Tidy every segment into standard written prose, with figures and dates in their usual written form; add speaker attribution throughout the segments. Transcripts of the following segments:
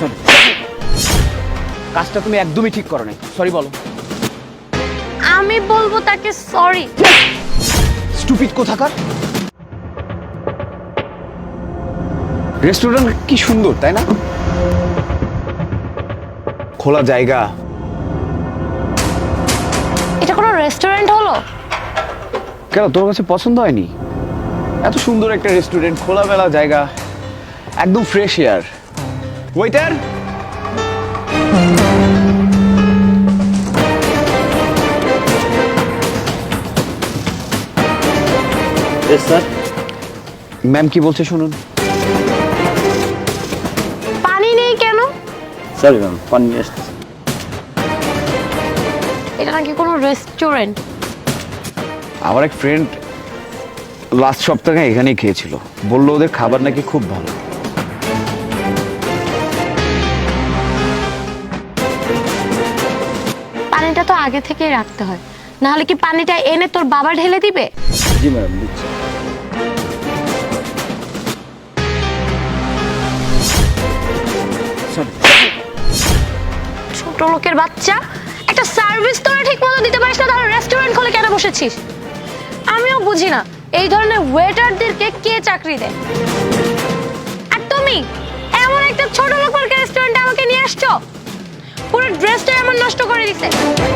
Speaker 1: Sorry, কাজটা তুমি একদমই ঠিক করো নাই। সরি বলো।
Speaker 2: আমি বলবো তাকে সরি।
Speaker 1: স্টুপিড কোথাকার। রেস্টুরেন্ট কি সুন্দর তাই না? খোলা জায়গা।
Speaker 2: এটা কোনো রেস্টুরেন্ট হলো?
Speaker 1: কেন, তোর কাছে পছন্দ হয়নি? এত সুন্দর একটা রেস্টুরেন্ট, খোলামেলা জায়গা, একদম fresh air. Waiter,
Speaker 3: sir.
Speaker 1: Ma'am কি বলছে শুনুন।
Speaker 2: পানি নেই কেন?
Speaker 3: সরি ম্যাম, পানি নিয়ে আসতেছি।
Speaker 2: এটা নাকি কোনো রেস্টুরেন্ট?
Speaker 1: আমার এক ফ্রেন্ড লাস্ট সপ্তাহে এখানেই খেয়েছিল, বললো ওদের খাবার নাকি খুব ভালো।
Speaker 2: পানিটা তো আগে থেকেই রাখতে হয়, না হলে কি পানিটা এনে তোর বাবা ঢেলে দিবে?
Speaker 3: জি ম্যাম, দিচ্ছি।
Speaker 2: ছোট লোকের বাচ্চা, একটা সার্ভিস তোরা ঠিক মতো দিতে পারিস না, তাহলে রেস্টুরেন্ট খুলে কেন বসেছিস? আমিও বুঝি না এই ধরনের ওয়েটারদেরকে কে চাকরি দেয়। আর তুমি এমন একটা ছোট লোক মার্কা রেস্টুরেন্টে আমাকে নিয়ে আসছো, পুরো ড্রেসটা এমন নষ্ট করে দিছে।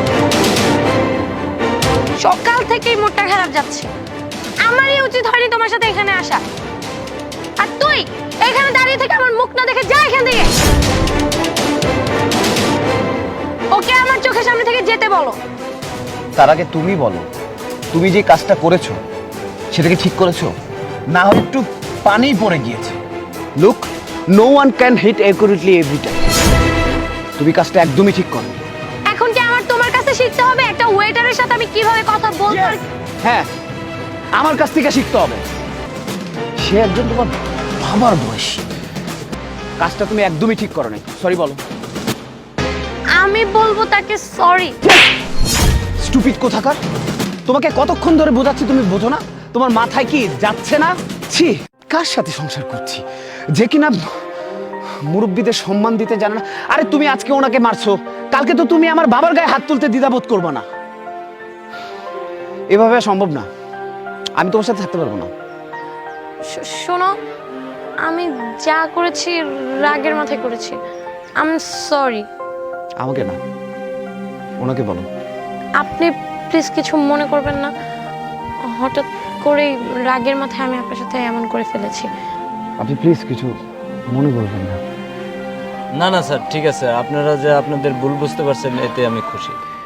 Speaker 2: সকাল থেকেই মুডটা খারাপ যাচ্ছে, আমারই উচিত হয়নি তোমার সাথে এখানে আসা। আর তুই এখানে দাঁড়িয়ে থেকে আমার মুখ না দেখে যা এখান থেকে। ওকে আমার চোখের সামনে থেকে যেতে বলো।
Speaker 1: তার আগে তুমি বলো, তুমি যে কাজটা করেছো সেটাকে ঠিক করেছো, না হয় একটু পানি পড়ে গিয়েছে। Look, no one can hit accurately every time. তুমি কাজটা একদমই ঠিক করো।
Speaker 2: এখন কি আমার তোমার কাছে শিখতে হবে একটা ওয়েটারের সাথে আমি কিভাবে কথা বলবো?
Speaker 1: হ্যাঁ, আমার কাছ থেকে শিখতে হবে। সে একজন তোমার বাবার বয়সী। কাজটা তুমি একদমই ঠিক করো নাই। সরি বলো।
Speaker 2: আমি বলবো তাকে সরি।
Speaker 1: স্টুপিড কোথাকার। তোমাকে কতক্ষণ ধরে বোঝাচ্ছি, তুমি বোঝো না? তোমার মাথায় কি যাচ্ছে না? ছি, কার সাথে সংসার করছি যে কিনা মুরব্বীদের সম্মান দিতে জানে না। আরে তুমি আজকে ওনাকে মারছো, কালকে তো তুমি আমার বাবার গায়ে হাত তুলতে দ্বিধাবোধ করবে না। এভাবে সম্ভব না, আমি তোমার সাথে থাকতে পারবো না।
Speaker 2: শোনো, আমি যা করেছি রাগের মাথায় করেছি। I am sorry.
Speaker 1: আমাকে না, ওনাকে বলো।
Speaker 2: আপনি প্লিজ কিছু মনে করবেন না, হঠাৎ করেই রাগের মাথায় আমি আপনার সাথে এমন করে ফেলেছি।
Speaker 1: আপনি প্লিজ কিছু মনে করবেন না।
Speaker 3: না না স্যার, ঠিক আছে। আপনারা যে আপনাদের ভুল বুঝতে পারছেন, এতে আমি খুশি।